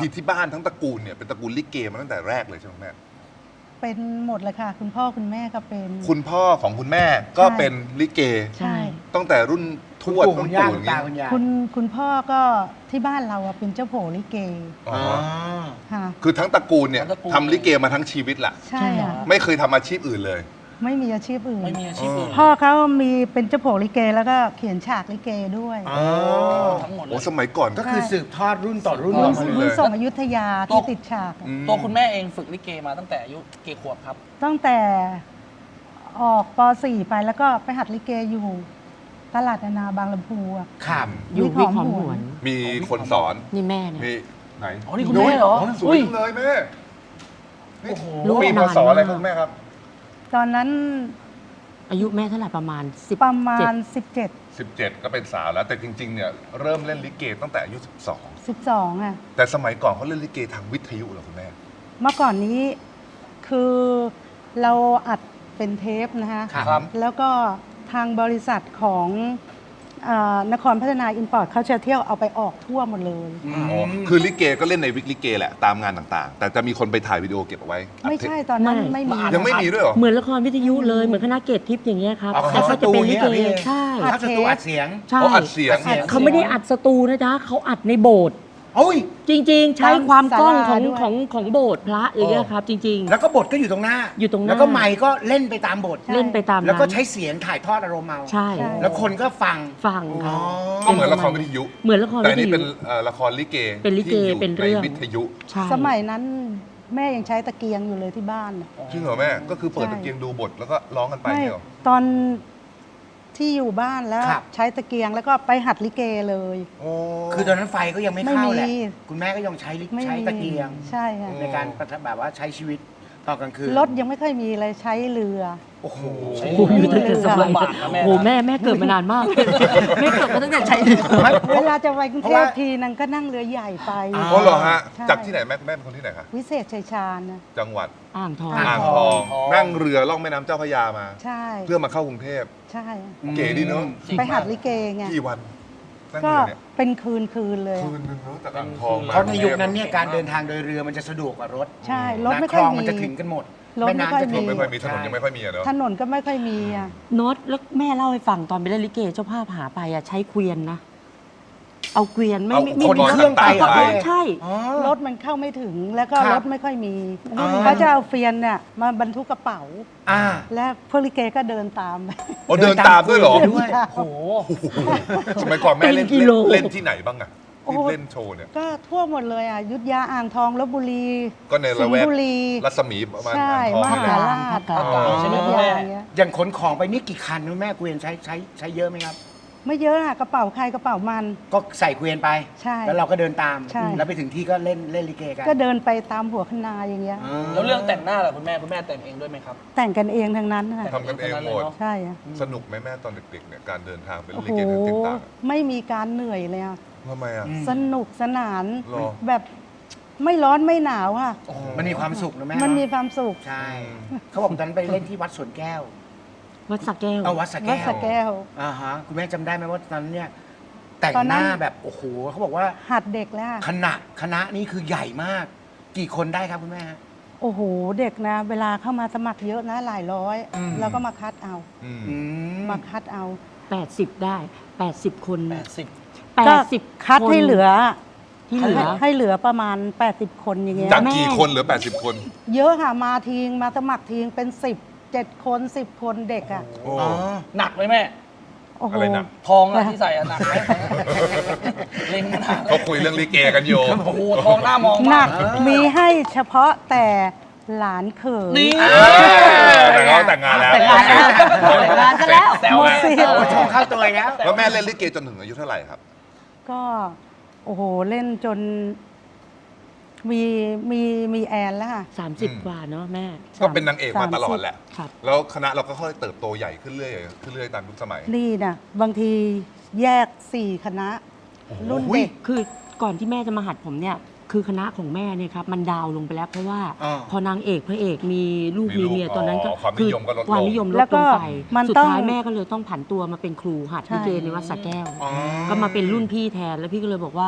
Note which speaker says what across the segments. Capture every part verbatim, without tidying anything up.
Speaker 1: ที่ที่บ้านทั้งตระกูลเนี่ยเป็นตระกูลลิเกมาตั้งแต่แรกเลยใช่ไหมแม่
Speaker 2: เป็นหมดเลยค่ะ คุณพ่อคุณแม่ก็เป็น
Speaker 1: คุณพ่อของคุณแม่ก็เป็นลิเก
Speaker 2: ใช่
Speaker 1: ตั้งแต่รุ่นทวด
Speaker 3: คุ
Speaker 1: รุ่
Speaker 3: ณ
Speaker 1: น
Speaker 3: ย่า
Speaker 1: ปู่
Speaker 3: คุ
Speaker 1: อ
Speaker 3: ณ
Speaker 1: ย่าง
Speaker 3: ตา
Speaker 1: นี้
Speaker 3: คุณยาย
Speaker 2: คุณคุณพ่อก็ที่บ้านเราอะเป็นเจ้าโผลิเก
Speaker 1: อ๋อ
Speaker 3: อ๋อ
Speaker 2: ค่ะ
Speaker 1: คือทั้งตระกูลเนี่ย
Speaker 4: ทั้งตระกูล
Speaker 1: ทำลิเกมาทั้งชีวิตแหละ
Speaker 2: ใช่ค่ะ
Speaker 1: ไม่เคยทำอาชีพอื่นเลย
Speaker 2: ไม่มีอาชีพอื่น
Speaker 4: ไม่มีอาชีพอื่น
Speaker 2: พ่อเขามีเป็นเจ้าโผลิเกแล้วก็เขียนฉากลิเกด้วย
Speaker 3: อ๋อ
Speaker 4: ทั้งหมดเล
Speaker 1: โอ้
Speaker 4: ย
Speaker 1: สมัยก่อน
Speaker 3: ก็คือสืบทอดรุ่นต่อรุ่น
Speaker 1: อ๋อ
Speaker 3: มา
Speaker 2: รุ่น
Speaker 3: เลย
Speaker 2: รุ่นส่งอยุธยา
Speaker 4: ตัว
Speaker 2: ที่ติดฉากอะ
Speaker 1: อืม
Speaker 4: ตัวคุณแม่เองฝึกลิเกมาตั้งแต่อายุกี่ขวบครับ
Speaker 2: ตั้งแต่ออกป .สี่ ไปแล้วก็ไปหัดลิเกอยู่ตลาดนานาบางลำพูอะ
Speaker 3: ครับ
Speaker 5: อยู่
Speaker 2: วิ
Speaker 5: วิ
Speaker 2: ก
Speaker 5: ก
Speaker 2: ห
Speaker 5: ห
Speaker 2: อ
Speaker 5: อ
Speaker 2: ม
Speaker 5: ม
Speaker 2: ห
Speaker 5: ห
Speaker 2: ว
Speaker 5: วน น
Speaker 1: มีคนสอน
Speaker 5: นี่แม่เนี่ย
Speaker 1: มีไหน
Speaker 4: อ๋อนี่คุณแม่เหรอ
Speaker 1: โยสวย
Speaker 4: อุ้ย
Speaker 1: จังเลยแม่นี่
Speaker 4: โอ้โห
Speaker 5: รู้
Speaker 1: ปีพ
Speaker 5: นาน
Speaker 1: ศอะไร
Speaker 5: มาก
Speaker 1: ครับแม่ครับ
Speaker 2: ตอนนั้น
Speaker 5: อายุแม่เท่าไหร่ประมาณสิบ
Speaker 2: ประมาณ
Speaker 5: เจ็ด
Speaker 2: สิบเจ็ด
Speaker 1: สิบเจ็ดก็เป็นสาวแล้ว แต่จริงๆเนี่ยเริ่มเล่นลิเกตั้งแต่อายุสิบสอง
Speaker 2: สิบสองอ่ะ
Speaker 1: แต่สมัยก่อนเขาเล่นลิเกทางวิทยุเหรอคุณแม่
Speaker 2: เมื่อก่อนนี้คือเราอัดเป็นเทปนะคะ
Speaker 3: ครับ
Speaker 4: ครับ
Speaker 2: แล้วก็ทางบริษัทของเออนครพัฒนาอินพอร์ตเขาจะเที่ยวเอาไปออกทั่วหมดเลย
Speaker 3: อื
Speaker 1: อ๋อ
Speaker 3: ม
Speaker 1: คือลิเกก็เล่นในวิกลิเกแหละตามงานต่างๆ แต่จะมีคนไปถ่ายวิดีโอเก็บเอาไว้อัด
Speaker 2: ไม่
Speaker 1: เทป
Speaker 2: ใช่ตอนนั้น
Speaker 5: ไม่
Speaker 2: ไม่มี
Speaker 1: ยังไม่มีด้วยเหรอ
Speaker 5: เหมือนละครวิทยุเลยเหมือนคณะเกตทิพย์อย่างเงี้ยครับ
Speaker 3: อ๋อ
Speaker 5: แต่เขาจะเป็นลิเก
Speaker 3: สตูเนี่ยเหรอพี่
Speaker 5: ใช่
Speaker 3: ถ้าสตูอัดเสียง
Speaker 5: ใช่
Speaker 1: เขาอัดเสียง
Speaker 3: อัดเสียง
Speaker 5: เขาไม่ได้อัดสตูนะจ๊ะเขาอัดในโบสถ์
Speaker 3: โอ้ย
Speaker 5: จริง ๆ ใช้ความกล้องของ
Speaker 2: ศาลาด้วย
Speaker 5: ของของโบสถ์พระอย่างเงี้ยครับ จริง
Speaker 3: แล้วก็บทก็อยู่ตรงหน้า
Speaker 5: อยู่ตรงหน้า
Speaker 3: แล้วก็ไมค์ก็เล่นไปตามบท
Speaker 5: ๆ เล่นไปตาม
Speaker 3: แล้วก็
Speaker 5: นั้น
Speaker 3: ใช้เสียงถ่ายทอดอารมณ์เอา
Speaker 5: ใช่
Speaker 3: แล้วคนก็ฟัง
Speaker 5: ฟัง
Speaker 3: อ๋อ
Speaker 5: เขา
Speaker 1: ก็เหมือนละครวิทยุ
Speaker 5: เหมือนละคร
Speaker 1: แต่
Speaker 5: วิ
Speaker 1: อัน
Speaker 5: ท
Speaker 1: นี้
Speaker 5: ยุ
Speaker 1: เป็นเอ่อละครลิเก
Speaker 5: เป็นลิเก
Speaker 1: ที่อยู่
Speaker 5: เป็นเรื่อง
Speaker 1: ในวิทยุ
Speaker 5: ใช่
Speaker 2: สมัยนั้นแม่ยังใช้ตะเกียงอยู่เลยที่บ้านน่ะ
Speaker 1: จริงเหรอแม่ ก็คือเปิด
Speaker 2: ใช่
Speaker 1: ตะเกียงดูบทแล้วก็ร้องกันไป
Speaker 2: ไม่
Speaker 1: เนี่ยเหรอ
Speaker 2: ตอนที่อยู่บ้านแล้ว
Speaker 3: ครับ
Speaker 2: ใช้ตะเกียงแล้วก็ไปหัดลิเกเลย
Speaker 1: โอ้
Speaker 3: คือตอนนั้นไฟก็ยังไม่เข้าแหละ
Speaker 2: ไม่มี
Speaker 3: คุณแม่ก็ยังใช้ลิ
Speaker 2: ไม่
Speaker 3: ใช้
Speaker 2: มี
Speaker 3: ตะเกียง
Speaker 2: ใช่ค่ะ
Speaker 3: ในการประทับแบบว่าใช้ชีวิตตอนกลางคืน
Speaker 2: รถยังไม่ค่อยมีเลยใช้เรือ
Speaker 3: โอ้โห
Speaker 4: ใช้
Speaker 5: โอ้โหอยู่ตั้งแต่สมัย
Speaker 4: ลำบากนะแม่นะ
Speaker 5: โอ้โหแม่แม่เกิดมานานมากเลยแม่เกิดมาตั้งแต่ใช้เรือ
Speaker 2: เวลาจะไปกรุง
Speaker 3: เพ
Speaker 2: เท
Speaker 3: ราะ
Speaker 2: พ
Speaker 3: ว่า
Speaker 2: ทีนึงก็นั่งเรือใหญ่ไป
Speaker 3: อ๋อ
Speaker 1: อ๋อเหรอฮะ
Speaker 2: ใช่
Speaker 1: จากที่ไหนแม่แม่เป็นคนที่ไหนคะ
Speaker 2: วิเศษชัยชาญนะ
Speaker 1: จังหวัด
Speaker 5: อ่างทอง
Speaker 2: อ่า
Speaker 1: อ่างทอง นั่งเรือล่องแม่น้ำเจ้าพระยามา
Speaker 2: ใช่
Speaker 1: เพื่อมาเข้ากรุงเทพ
Speaker 2: ใช่
Speaker 1: เก๋ดีเนอะ
Speaker 4: จริง
Speaker 2: ไปหัด
Speaker 4: มาก
Speaker 2: ลิเกไง
Speaker 1: กี่วัน นั่ง
Speaker 2: ก็
Speaker 1: เรือเนี่ย
Speaker 2: เป็นคืนคืนๆเลย
Speaker 1: คืนนึงเนอะจากอ่างทองมา
Speaker 3: เพราะในยุคนั้นเนี่ยการเดินทางโดยเรือมันจะสะดวกกว่ารถ
Speaker 2: ใช่รถไม่
Speaker 3: นะ
Speaker 2: ค่อย
Speaker 3: คลอง
Speaker 2: มี
Speaker 3: มันจะถึงกันหมด
Speaker 2: รถไม่ค่อย
Speaker 3: แน้ำจะ
Speaker 1: ถน
Speaker 3: ถึ
Speaker 1: น
Speaker 3: ง
Speaker 1: ไม่ค่อยมีถนน
Speaker 3: ใช่
Speaker 1: ยังไม่ค่อยมีอะเนอะ
Speaker 2: ถนนก็ไม่ค่อยมีอ่ะ
Speaker 5: โน้ตแล้วแม่เล่าให้ฟังตอนไปเล่นลิเกเจ้าภาพหาไปอ่ะใช้เกวียนนะ เอาเกวียนไม่
Speaker 1: เอา
Speaker 5: ไม่ไม่
Speaker 1: คน
Speaker 5: มี
Speaker 1: เครื่องไป
Speaker 5: เอา
Speaker 1: ไป
Speaker 5: ใช่
Speaker 3: อ๋อ
Speaker 2: รถมันเข้าไม่ถึงแล้วก็
Speaker 3: ครับ
Speaker 2: รถไม่ค่อยมี
Speaker 3: อ๋อ
Speaker 2: เขาจะเอาเฟียนเนี่ยมาบรรทุกกระเป๋า
Speaker 3: อ่า
Speaker 2: และพวกลิเกก็เดินตามไป
Speaker 1: โอ้เดินตามด้วยเหรอ
Speaker 3: เดินตามด้วย
Speaker 4: โอ้โห
Speaker 1: สมัยก่อนแม่เล่น
Speaker 5: เป็นกิโล
Speaker 1: เล่นที่ไหนบ้างอะ
Speaker 2: โอ้
Speaker 1: ที่
Speaker 2: โห
Speaker 1: เล่นโชว์เนี่ย
Speaker 2: ก็ทั่วหมดเลยอ่ะอยุทธยาอ่างทองลบบุรี
Speaker 1: ก็ใน
Speaker 2: สิ
Speaker 1: ละ
Speaker 2: ง
Speaker 1: แว
Speaker 2: ห์
Speaker 1: ก
Speaker 2: บุรี
Speaker 1: รัศมีประมาณ
Speaker 2: ใช่
Speaker 1: อ่างทอง
Speaker 2: ม
Speaker 1: นี่แห
Speaker 2: หา
Speaker 1: ละ
Speaker 2: ราช
Speaker 5: ภาคกลาง
Speaker 1: อ๋อ
Speaker 4: ใช่ไหม
Speaker 2: อ
Speaker 4: คุ
Speaker 2: ยุ
Speaker 4: ณ
Speaker 2: ธ
Speaker 4: แม่
Speaker 2: ยาอย่างเงี้ย
Speaker 3: อย่างขนของไปนี่กี่คันคุณแม่เกวียนใช้ใช้ใช้เยอะไหมครับ
Speaker 2: ไม่เยอะอะกระเป๋าใครกระเป๋ามัน
Speaker 3: ก็ใส่เกวียนไป
Speaker 2: ใช่
Speaker 3: แล้วเราก็เดินตาม
Speaker 2: ใช่
Speaker 3: แล้วไปถึงที่ก็เล่นเล่นลิเกกัน
Speaker 2: ก็เดินไปตามหัวคณาอย่างเงี้ย
Speaker 3: อ่า
Speaker 4: แล้วเรื่องแต่งหน้าล่ะคุณแม่คุณแม่แต่งเองด้วยไหมครับ
Speaker 2: แต่งกันเองทั้งนั้นค่ะ
Speaker 1: ทำกันเองหมด
Speaker 2: ใช่อะ
Speaker 1: สนุกไหมแม่ตอนเด็กๆเนี่ยการเดินทางเป็น
Speaker 2: โอ้
Speaker 1: ลิ
Speaker 2: โห
Speaker 1: เกเดินต่างๆอะ
Speaker 2: ไม่มีการเหนื่อยเลยอะ
Speaker 1: ทำไมอ่ะ
Speaker 3: อืม
Speaker 2: สนุกสนาน
Speaker 1: หรอ
Speaker 2: แบบไม่ร้อนไม่หนาวอะ
Speaker 3: มันมีความสุขนะแม่
Speaker 2: มันมี
Speaker 3: เอะ
Speaker 2: ความสุข
Speaker 3: ใช่ เขาบอกตอนนั้นไปเล่นที่วัดสวนแก้ว
Speaker 5: วัดสระแก้ว
Speaker 3: เอาวัดสระ
Speaker 2: วั
Speaker 3: แก้
Speaker 2: ด
Speaker 3: ว
Speaker 2: สระแก้ว
Speaker 3: อ่าฮะคุณแม่จำได้ไหมว่าตอนนั้นเนี่ยแต่ง
Speaker 2: ตอน
Speaker 3: ห
Speaker 2: นั้น
Speaker 3: น้าแบบโอ้โหเขาบอกว่า
Speaker 2: หัดเด็กแล้วอะ
Speaker 3: คณะคณะนี้คือใหญ่มาก กี่คนได้ครับคุณแม่ฮะ
Speaker 2: โอ้โหเด็กนะ เวลาเข้ามาสมัครเยอะนะหลายร้อย
Speaker 3: อืม
Speaker 2: แล้วก็มาคัดเอา
Speaker 1: อืม
Speaker 3: อืม
Speaker 2: มาคัดเอา
Speaker 5: แปดสิบได้แปดสิบคน
Speaker 4: แปดสิบ
Speaker 5: แป
Speaker 2: ก็
Speaker 5: ดสิบ
Speaker 2: คัดให้เหลือ
Speaker 5: ที่เหลือ
Speaker 2: ให้เหลือประมาณ แปดสิบ คนอย่างเงี้ย
Speaker 1: จาก
Speaker 5: แม่
Speaker 1: กี่คนเหลือแปดสิบคน
Speaker 2: เยอะค่ะมาทีงมาสมัครทีงเป็นสิบเจ็ดคนสิบคนเด็กอ่ะ
Speaker 1: โอ้
Speaker 3: อ๋อ
Speaker 4: หนักไหมแม่
Speaker 2: โอ้โห
Speaker 1: อะไรหนัก
Speaker 4: ทองอะที่ใส่อะหนักไหมเล็งขนาด
Speaker 1: เขาคุยเรื่องลิเกกันอยู่
Speaker 4: โอ้โหทองหน้ามอง
Speaker 2: ห
Speaker 4: มา
Speaker 2: นั
Speaker 4: ก
Speaker 2: กมีให้เฉพาะแต่หลานเขย
Speaker 4: นี่
Speaker 1: เออแต่เขาแต่งงานแล้ว
Speaker 5: แต่งงานแล้วแต่งงานซะแล้ว
Speaker 4: แซว
Speaker 2: หมด
Speaker 4: นะ
Speaker 2: สิทธิ์
Speaker 3: โอ้โชว์เข้าตัวอีกแล้ว
Speaker 1: แล้วแม่เล่นลิเกจนถึงอายุเท่าไหร่ครับ
Speaker 2: ก็โอ้โหเล่นจน มีมีมีแอนแล้วค่ะ
Speaker 5: สามสิบ
Speaker 1: อืม
Speaker 5: กว่าเนาะแม่
Speaker 1: ก็เป็นนางเอกมาตลอดแหละ
Speaker 5: ครับ
Speaker 1: แล้วคณะเราก็ค่อยเติบโตใหญ่ขึ้นเรื่อยขึ้นเรื่อยตามยุคสมัย
Speaker 2: นี่นะบางทีแยกสี่คณะ รุ่นเด็ก
Speaker 5: คือก่อนที่แม่จะมาหัดผมเนี่ย คือคณะของแม่เนี่ยครับมันดาวน์ลงไปแล้วเพราะว่า
Speaker 3: อ่า
Speaker 5: พอนางเอกพระเอกมีลูก
Speaker 1: มี
Speaker 5: มี
Speaker 1: ลูก
Speaker 5: เมียตอนนั้นก็
Speaker 1: อ๋อความนิยมก็ลดลง
Speaker 5: ความนิยมล
Speaker 2: แล้
Speaker 5: ด
Speaker 2: วก็
Speaker 5: ลงไป
Speaker 2: มัน
Speaker 5: สุด
Speaker 2: ต้อง
Speaker 5: ท้ายแม่ก็เลยต้องผันตัวมาเป็นครูหัด
Speaker 2: ใช่
Speaker 5: ลิเกในวัดสระแก้ว
Speaker 3: อ๋อ
Speaker 5: ก็มาเป็นรุ่นพี่แทนแล้วพี่ก็เลยบอกว่า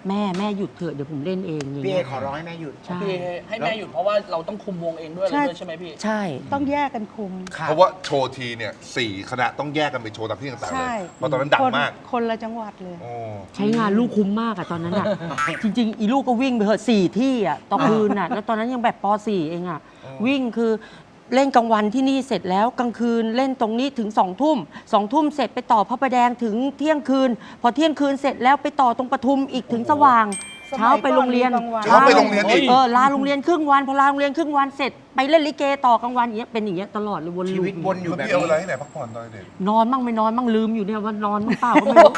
Speaker 5: แม่แม่หยุดเถอะเดี๋ยวผมเล่นเองอย่าง
Speaker 3: พี่เอ
Speaker 5: เงี้ย
Speaker 3: ขอร้องให้แม่หยุด
Speaker 5: ใช่
Speaker 4: พี่ให้แม่หยุดเพราะว่าเราต้องคุมวงเองด้วยอะไรด้วยใช่ไหมพี่
Speaker 5: ใช่
Speaker 2: ต้องแยกกันคุม
Speaker 3: ครับ
Speaker 1: เพราะว่าโชว์ทีเนี่ยสี่คณะต้องแยกกันไปโชว์ตามที่ต่างๆเล
Speaker 2: ใช่
Speaker 1: ยเพราะตอนนั้นดัง
Speaker 2: คน
Speaker 1: มาก
Speaker 2: คนละจังหวัดเลย
Speaker 1: โอ้
Speaker 5: ใช้งานลูกคุ้มมากอะตอนนั้นอะ จริง ๆ อีลูกก็วิ่งไปเหอะสี่ที่อะต่อคืนอะแล้วตอนนั้นยังแบบป .สี่ เองอะวิ่งคือเล่นกลางวันที่นี่เสร็จแล้วกลางคืนเล่นตรงนี้ถึงสองทุ่มสองทุ่มเสร็จไปต่อพระประแดงถึงเที่ยงคืน พอเที่ยงคืนเสร็จแล้วไปต่อตรงปทุมอีกถึงสว่าง
Speaker 2: สมัย
Speaker 5: เช้าไปโรงเรียน
Speaker 2: ก่อนมีกลางวัน
Speaker 1: เช้าไปโรงเรียนอีก
Speaker 5: เออลาโรงเรียนครึ่งวันพอลาโรงเรียนครึ่งวันเสร็จไปเล่นลิเกต่อกลางวันอย่างเงี้ยเป็นอย่างเงี้ยตลอดเลยวน
Speaker 3: ชี
Speaker 5: ลูป
Speaker 3: วิตวนอยู่
Speaker 1: แล้ว
Speaker 3: แบบ
Speaker 1: พี่เอาเวลา
Speaker 3: นี้
Speaker 1: ที่ไหนพักผ่อนตอนเด็ก
Speaker 5: นอนมั่งไม่นอนมั่งลืมอยู่เนี่ยว่านอนมั่งเปล่าก็ไม่รู้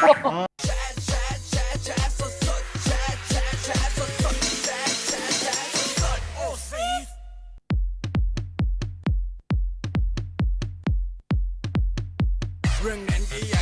Speaker 6: เรื่องนั้นก็อย